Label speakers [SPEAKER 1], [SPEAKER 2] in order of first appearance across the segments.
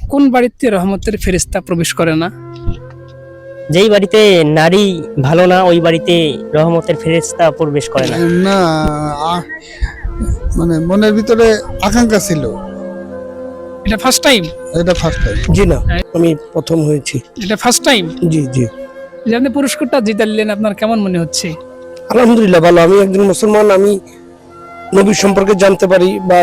[SPEAKER 1] কোন বাড়িতে রহমতের ফেরেশতা প্রবেশ করে না?
[SPEAKER 2] যেই বাড়িতে নারী ভালো না ওই বাড়িতে রহমতের ফেরেশতা প্রবেশ করে না।
[SPEAKER 3] না, আ- মানে মনের ভিতরে আকাঙ্ক্ষা ছিল।
[SPEAKER 1] এটা ফার্স্ট টাইম?
[SPEAKER 3] এটা ফার্স্ট টাইম।
[SPEAKER 4] জি না, আমি প্রথম হয়েছি।
[SPEAKER 1] এটা ফার্স্ট টাইম
[SPEAKER 4] জি জি,
[SPEAKER 1] যে আপনি পুরস্কারটা জিতালেন, আপনার কেমন মনে হচ্ছে?
[SPEAKER 4] আলহামদুলিল্লাহ ভালো। আমি একজন মুসলমান, আমি নবীর সম্পর্কে জানতে পারি বা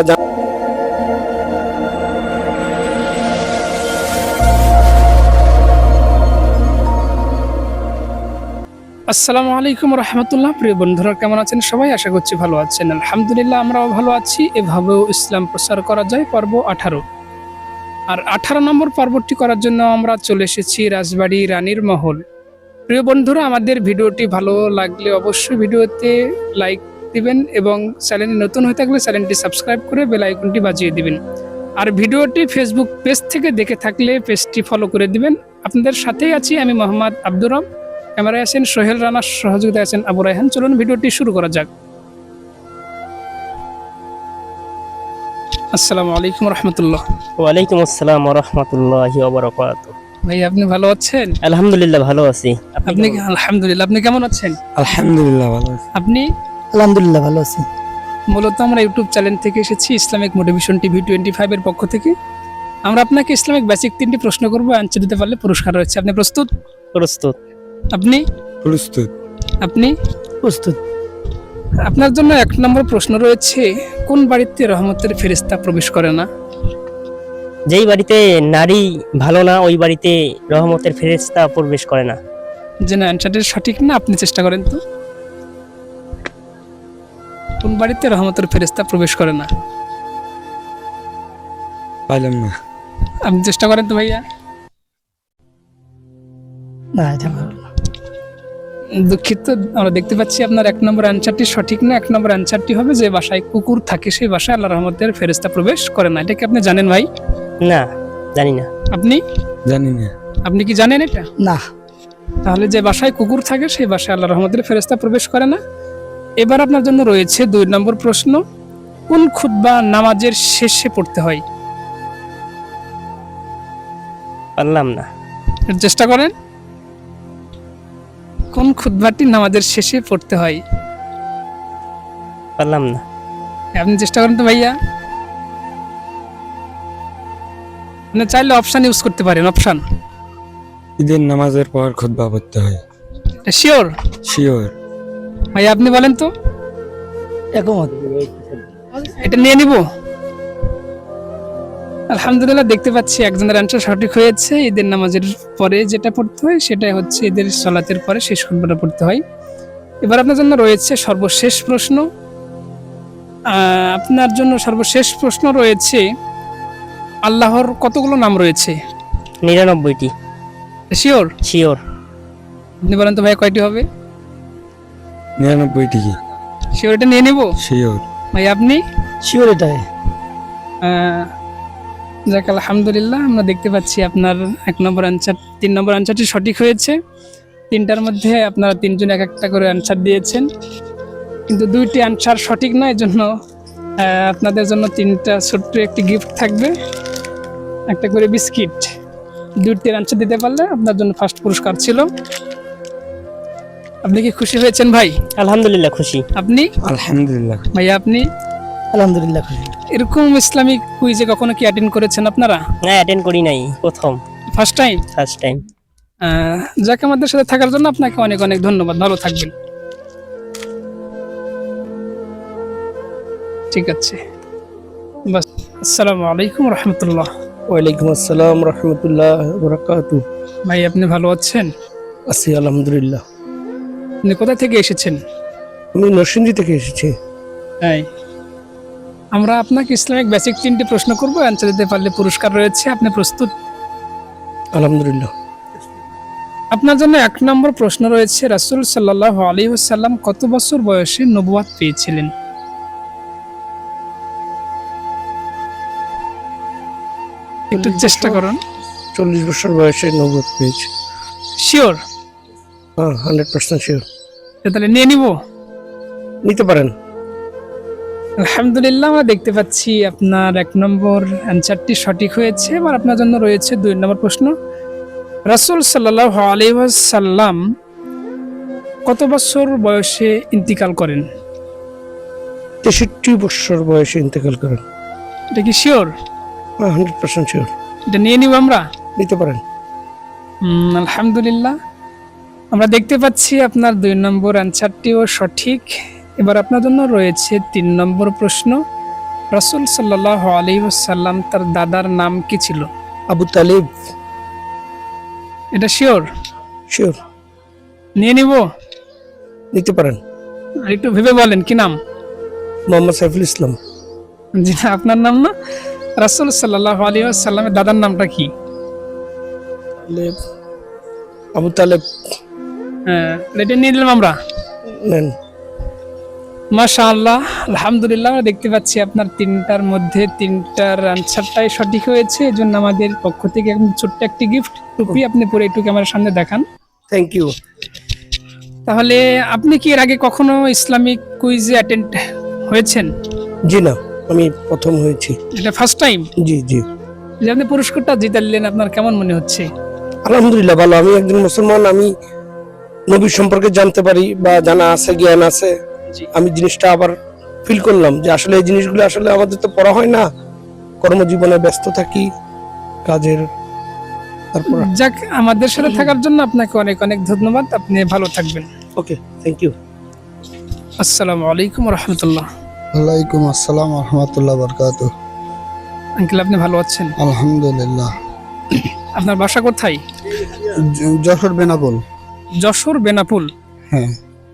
[SPEAKER 1] আসসালামু আলাইকুম রহমতুল্লাহ। প্রিয় বন্ধুরা, কেমন আছেন সবাই? আশা করছি ভালো আছেন। আলহামদুলিল্লাহ আমরাও ভালো আছি। এভাবেও ইসলাম প্রচার করা যায়, পর্ব 18। আর 18 নম্বর পর্বটি করার জন্য আমরা চলে এসেছি রাজবাড়ী রানীর মহল। প্রিয় বন্ধুরা, আমাদের ভিডিওটি ভালো লাগলে অবশ্যই ভিডিওতে লাইক দিবেন এবং চ্যানেলে নতুন হয়ে থাকলে চ্যানেলটি সাবস্ক্রাইব করে বেল আইকনটি বাজিয়ে দিবেন। আর ভিডিওটি ফেসবুক পেজ থেকে দেখে থাকলে পেজটি ফলো করে দিবেন। আপনাদের সাথেই আছি আমি মোহাম্মদ আব্দুর রব। ক্যামেরায় আছেন সোহেল রানা, সহযোগিতায় আছেন আবু রায়হান। চলুন ভিডিওটি শুরু করা যাক। আসসালামু আলাইকুম রহমতুল্লাহ।
[SPEAKER 2] ওয়ালাইকুম আসসালাম ওয়া রাহমাতুল্লাহি ওয়া বারাকাতুহু।
[SPEAKER 1] ভাই, আপনি ভালো আছেন?
[SPEAKER 2] আলহামদুলিল্লাহ ভালো আছি।
[SPEAKER 1] আপনি আলহামদুলিল্লাহ, আপনি কেমন আছেন?
[SPEAKER 3] আলহামদুলিল্লাহ ভালো আছি।
[SPEAKER 1] আপনি?
[SPEAKER 4] আলহামদুলিল্লাহ ভালো আছি।
[SPEAKER 1] মূলত আমরা ইউটিউব চ্যানেল থেকে এসেছি, ইসলামিক মোটিভেশন টিভি 25 এর পক্ষ থেকে। আমরা আপনাকে ইসলামিক বেসিক 3টি প্রশ্ন করবো, আনসার দিতে পারলে পুরস্কার রয়েছে। আপনি প্রস্তুত?
[SPEAKER 2] প্রস্তুত।
[SPEAKER 1] আপনি?
[SPEAKER 3] প্রস্তুত।
[SPEAKER 1] আপনি?
[SPEAKER 4] প্রস্তুত।
[SPEAKER 1] আপনার জন্য 1 নম্বর প্রশ্ন রয়েছে, কোন বাড়িতে রহমতের ফেরেশতা প্রবেশ করে না?
[SPEAKER 2] যেই বাড়িতে নারী ভালো না ওই বাড়িতে রহমতের ফেরেশতা প্রবেশ করে না।
[SPEAKER 1] যে না, অ্যান্সারটা সঠিক না, আপনি চেষ্টা করেন তো। কোন বাড়িতে রহমতের ফেরেশতা প্রবেশ করে না?
[SPEAKER 3] পাইলাম না।
[SPEAKER 1] আপনি চেষ্টা করেন তো ভাইয়া।
[SPEAKER 4] না, এটা ভালো না।
[SPEAKER 1] দুঃখিত, আমরা দেখতে পাচ্ছি আপনার 1 নম্বর অ্যান্সারটি সঠিক না। 1 নম্বর অ্যান্সারটি হবে যে বাসায় কুকুর থাকে সেই বাসায় আল্লাহ রহমতের ফেরেশতা প্রবেশ করে না। এটা কি আপনি জানেন ভাই?
[SPEAKER 2] না, জানি না।
[SPEAKER 1] আপনি?
[SPEAKER 3] জানি না।
[SPEAKER 1] আপনি কি জানেন এটা?
[SPEAKER 4] না,
[SPEAKER 1] তাহলে যে বাসায় কুকুর থাকে সেই বাসায় আল্লাহ রহমতের ফেরেশতা প্রবেশ করে না। এবার আপনার জন্য রয়েছে 2 নম্বর প্রশ্ন, কোন খুতবা নামাজের শেষে পড়তে হয়?
[SPEAKER 2] পারলাম না।
[SPEAKER 1] এর চেষ্টা করেন। কোন খুতবাটি নামাজের শেষে পড়তে হয়?
[SPEAKER 2] পারলাম না।
[SPEAKER 1] আপনি চেষ্টা করেন তো ভাইয়া। আপনি চাইলে অপশন ইউজ করতে পারেন। অপশন
[SPEAKER 3] ঈদের নামাজের পর খুতবা পড়তে হয়।
[SPEAKER 1] শিওর?
[SPEAKER 3] শিওর।
[SPEAKER 1] ভাইয়া আপনি বলেন তো।
[SPEAKER 4] একমত।
[SPEAKER 1] এটা নিয়ে নিব। আলহামদুলিল্লাহ, দেখতে পাচ্ছি একজনের অ্যান্সার সঠিক হয়েছে। ঈদের নামাজের পরে যেটা পড়তে হয় সেটাই হচ্ছে ঈদের সালাতের পরে শেষ খুতবাটা পড়তে হয়। এবার আপনার জন্য রয়েছে সর্বশেষ প্রশ্ন। আপনার জন্য সর্বশেষ প্রশ্ন রয়েছে, আল্লাহর কতগুলো নাম রয়েছে?
[SPEAKER 2] 99টি।
[SPEAKER 1] শিওর?
[SPEAKER 2] শিওর।
[SPEAKER 1] আপনি বলেন তো ভাই, কয়টি হবে?
[SPEAKER 3] 99 টিকি।
[SPEAKER 1] শিওর? এটা নিয়ে নেব
[SPEAKER 3] শিওর।
[SPEAKER 1] ভাই। আপনি?
[SPEAKER 4] শিওর এটাই।
[SPEAKER 1] যাক, আলহামদুলিল্লাহ, আমরা দেখতে পাচ্ছি আপনার 1 নম্বর অ্যান্সার 3 নম্বর অ্যান্সারটি সঠিক হয়েছে। 3টার মধ্যে আপনারা 3 জন 1-1টা করে অ্যান্সার দিয়েছেন, কিন্তু 2টি অ্যান্সার সঠিক নয়। এর জন্য আপনাদের জন্য 3টা ছোট্ট একটি গিফট থাকবে, একটা করে বিস্কিট। 2টির অ্যান্সার দিতে পারলে আপনার জন্য ফার্স্ট পুরস্কার ছিল। আপনি কি খুশি হয়েছেন ভাই?
[SPEAKER 2] আলহামদুলিল্লাহ খুশি।
[SPEAKER 1] আপনি?
[SPEAKER 3] আলহামদুলিল্লাহ।
[SPEAKER 1] ভাইয়া আপনি?
[SPEAKER 4] আলহামদুলিল্লাহ খুশি।
[SPEAKER 1] এরকম ইসলামিক কুইজে কখনো কি অ্যাটেন্ড করেছেন আপনারা?
[SPEAKER 2] না, অ্যাটেন্ড করি নাই, প্রথম।
[SPEAKER 1] First time?
[SPEAKER 2] First time.
[SPEAKER 1] যাক, আমাদের সাথে থাকার জন্য আপনাকে অনেক অনেক ধন্যবাদ। ভালো থাকবেন। ঠিক আছে, বাস। আসসালামু আলাইকুম রহমতুল্লাহ।
[SPEAKER 4] ওয়ালাইকুম আসসালাম রহমতুল্লাহ বারাকাতু।
[SPEAKER 1] ভাই, আপনি ভালো আছেন?
[SPEAKER 4] আছি আলহামদুলিল্লাহ।
[SPEAKER 1] আপনি কোথা থেকে এসেছেন?
[SPEAKER 4] আমি নরসিংদী থেকে এসেছি।
[SPEAKER 1] তাই আমরা আপনাকে ইসলামিক বেসিক 3টি প্রশ্ন করবো, অ্যান্সার দিতে পারলে পুরস্কার রয়েছে। আপনি প্রস্তুত?
[SPEAKER 4] আলহামদুলিল্লাহ।
[SPEAKER 1] আপনার জন্য 1 নম্বর প্রশ্ন রয়েছে, রাসূল সাল্লাল্লাহু আলাইহি ওয়াসাল্লাম কত বছর বয়সে নবুয়ত পেয়েছিলেন? একটু চেষ্টা করুন।
[SPEAKER 4] 40 বছর বয়সে নবুয়ত পেয়েছি।
[SPEAKER 1] শিওর?
[SPEAKER 4] হ্যাঁ, 100% শিওর।
[SPEAKER 1] তাহলে নিয়ে নিব।
[SPEAKER 4] নিতে পারেন।
[SPEAKER 1] আলহামদুলিল্লাহ, আমরা দেখতে পাচ্ছি আপনার 1 নম্বর অ্যানসারটি সঠিক হয়েছে। এবার আপনার জন্য রয়েছে 2 নম্বর প্রশ্ন। রাসূল সাল্লাল্লাহু আলাইহি ওয়াসাল্লাম কত বছর বয়সে ইন্তিকাল করেন?
[SPEAKER 4] 63 বছর বয়সে ইন্তেকাল করেন।
[SPEAKER 1] এটা কি শিওর?
[SPEAKER 4] 100% শিওর।
[SPEAKER 1] এটা নিয়ে নিব আমরা?
[SPEAKER 4] নিতে পারেন।
[SPEAKER 1] আলহামদুলিল্লাহ, আমরা দেখতে পাচ্ছি আপনার 2 নম্বর অ্যানসারটিও সঠিক। এবার আপনার জন্য রয়েছে 3 নম্বর প্রশ্ন। রাসূল সাল্লাল্লাহু আলাইহি ওয়াসাল্লাম তার দাদার নাম কি ছিল?
[SPEAKER 4] আবু তালিব।
[SPEAKER 1] এটা শিওর?
[SPEAKER 4] শিওর।
[SPEAKER 1] নিয়ে নিব?
[SPEAKER 4] নিতে পারেন।
[SPEAKER 1] আর একটু ভেবে বলেন কি নাম?
[SPEAKER 4] মোহাম্মদ সাইফুল ইসলাম।
[SPEAKER 1] জি না, আপনার নাম না। রাসূল সাল্লাল্লাহু আলাইহি ওয়াসাল্লামের দাদার নামটা কি?
[SPEAKER 4] তালেব। আবু তালেব।
[SPEAKER 1] হ্যাঁ, এটা নিয়ে নিলাম আমরা।
[SPEAKER 4] নেন।
[SPEAKER 1] মাশাআল্লাহ, আলহামদুলিল্লাহ, আমরা দেখতে পাচ্ছি আপনার 3টার মধ্যে 3টার আনসারটাই সঠিক হয়েছে। এজন্য আমাদের পক্ষ থেকে একদম ছোট্ট একটি গিফট টুপি আপনি পরে একটু ক্যামেরার সামনে দেখান।
[SPEAKER 4] Thank you.
[SPEAKER 1] তাহলে আপনি কি এর আগে কখনো ইসলামিক কুইজে অ্যাটেন্ড হয়েছেন?
[SPEAKER 4] জি না, আমি প্রথম হয়েছি।
[SPEAKER 1] এটা ফার্স্ট টাইম?
[SPEAKER 4] জি জি।
[SPEAKER 1] যে আপনি পুরস্কারটা জিতালেন, আপনার কেমন মনে হচ্ছে?
[SPEAKER 4] আলহামদুলিল্লাহ ভালো। আমি একজন মুসলমান, আমি নবীর সম্পর্কে জানতে পারি বা জানা আছে, জ্ঞান আছে।
[SPEAKER 1] জি।
[SPEAKER 4] আমি জিনিসটা আবার ফিল করলাম যে আসলে এই জিনিসগুলো আসলে আমাদের তো পড়া হয় না, কর্মজীবনে ব্যস্ত থাকি, কাজের। তারপর
[SPEAKER 1] যাক, আমাদের সাথে থাকার জন্য আপনাকে অনেক অনেক ধন্যবাদ। আপনি ভালো থাকবেন।
[SPEAKER 4] Okay, thank you.
[SPEAKER 1] আসসালামু আলাইকুম রহমতুল্লাহ।
[SPEAKER 3] ওয়ালাইকুম আসসালাম রহমতুল্লাহ বরকাতুহ।
[SPEAKER 1] আঙ্কেল, আপনি ভালো আছেন?
[SPEAKER 3] আলহামদুলিল্লাহ।
[SPEAKER 1] আপনার বাসা কোথায়?
[SPEAKER 3] যশোর বেনাপোল।
[SPEAKER 1] যশোর বেনাপুল।
[SPEAKER 3] হ্যাঁ।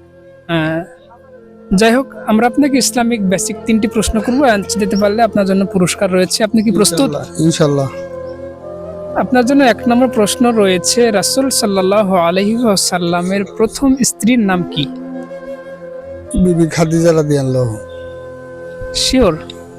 [SPEAKER 1] যাই হোক, আমরা আপনাকে ইসলামিক বেসিক 3টি প্রশ্ন করবো। অ্যান্সার দিতে পারলে আপনার জন্য পুরস্কার রয়েছে। আপনি কি প্রস্তুত?
[SPEAKER 3] ইনশাল্লাহ।
[SPEAKER 1] আপনার জন্য 1 নম্বর প্রশ্ন রয়েছে। রাসূল সাল্লাল্লাহু আলাইহি ওয়াসাল্লামের প্রথম স্ত্রীর নাম কি?
[SPEAKER 3] বিবি খাদিজা রাদিয়াল্লাহু।
[SPEAKER 1] শিওর?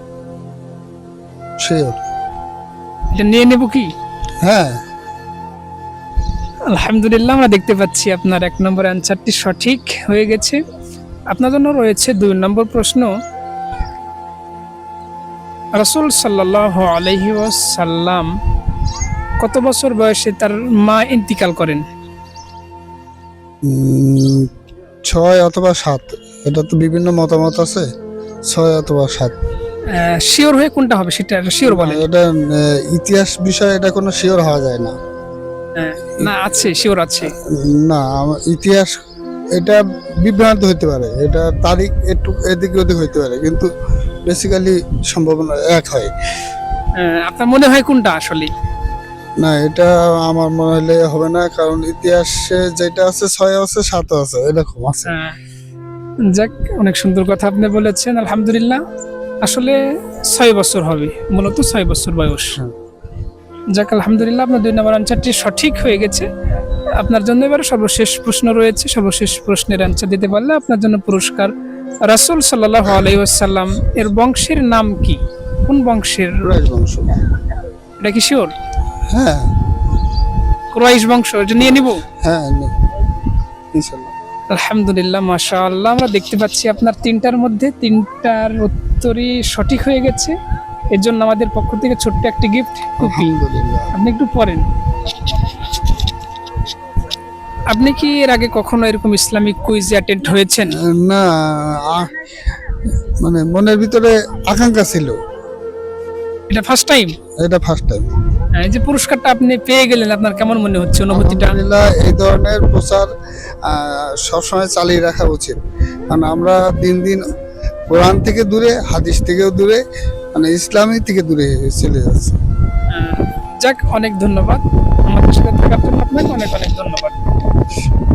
[SPEAKER 3] শিওর।
[SPEAKER 1] এটা নিয়ে নেব কি?
[SPEAKER 3] হ্যাঁ।
[SPEAKER 1] আলহামদুলিল্লাহ, আমরা দেখতে পাচ্ছি আপনার 1 নম্বর অ্যান্সারটি সঠিক হয়ে গেছে। আপনার জন্য রয়েছে 2 নম্বর প্রশ্ন। রাসূল সাল্লাল্লাহু আলাইহি ওয়াসাল্লাম কত বছর বয়সে তার মা ইন্তিকাল করেন?
[SPEAKER 3] 6 অথবা 7, এটা তো বিভিন্ন মতামত আছে। 6 অথবা 7।
[SPEAKER 1] শিওর হয়ে কোনটা হবে সেটা শিওর বলেন।
[SPEAKER 3] এটা ইতিহাস বিষয়, এটা কোনো শিওর হওয়া যায় না।
[SPEAKER 1] না, আছে, শিওর আছে।
[SPEAKER 3] না, ইতিহাস এটা বিভ্রান্ত হতে পারে, এটা তারিখ একটু এদিক ওদিক হইতে পারে, কিন্তু বেসিক্যালি সম্ভাবনা এক হয়।
[SPEAKER 1] আপনার মনে হয় কোনটা আসলে?
[SPEAKER 3] না, এটা আমার মনে হলে হবে না, কারণ ইতিহাসে যেটা আছে 6 আছে, 7 আছে, এরকম আছে।
[SPEAKER 1] যাক, অনেক সুন্দর কথা আপনি বলেছেন। আলহামদুলিল্লাহ, আসলে 6 বছর হবে, মূলত 6 বছর বয়স। যাক, আলহামদুলিল্লাহ, আপনার 2 নম্বর অ্যান্সারটি সঠিক হয়ে গেছে। আপনার জন্য এবার সর্বশেষ প্রশ্ন রয়েছে। সর্বশেষ প্রশ্নের অ্যান্সার দিতে পারলে আপনার জন্য পুরস্কার। রাসূল সাল্লাল্লাহু আলাইহি ওয়াসাল্লাম এর বংশের নাম কি? কোন বংশের?
[SPEAKER 3] কুরাইশ বংশ।
[SPEAKER 1] এটা কি শিওর?
[SPEAKER 3] হ্যাঁ।
[SPEAKER 1] কুরাইশ বংশ। এটা নিয়ে নিব?
[SPEAKER 3] হ্যাঁ, ইনশাআল্লাহ।
[SPEAKER 1] আলহামদুলিল্লাহ, মাশাআল্লাহ, আমরা দেখতে পাচ্ছি আপনার 3টার মধ্যে 3টার উত্তরই সঠিক হয়ে গেছে। এর জন্য আমাদের পক্ষ থেকে ছোট্ট একটি গিফট টুপি।
[SPEAKER 3] আলহামদুলিল্লাহ।
[SPEAKER 1] আপনি একটু পরেন। আপনি কি এর আগে কখনো এরকম ইসলামিক কুইজে অ্যাটেন্ড হয়েছেন?
[SPEAKER 3] না, মানে মনের ভিতরে আকাঙ্ক্ষা ছিল।
[SPEAKER 1] এটা ফার্স্ট টাইম?
[SPEAKER 3] এটা ফার্স্ট টাইম।
[SPEAKER 1] এই যে পুরস্কারটা আপনি পেয়ে গেলেন, আপনার কেমন মনে হচ্ছে, অনুভূতিটা?
[SPEAKER 3] আলহামদুলিল্লাহ, এই ধরনের প্রচার সবসময় চালিয়ে রাখা উচিত, কারণ আমরা দিন দিন কোরআন থেকে দূরে, হাদিস থেকেও দূরে, মানে ইসলামী থেকে দূরে চলে যাচ্ছে।
[SPEAKER 1] যাক, অনেক ধন্যবাদ আমাদের সাথে থাকার জন্য। আপনাকে অনেক অনেক ধন্যবাদ।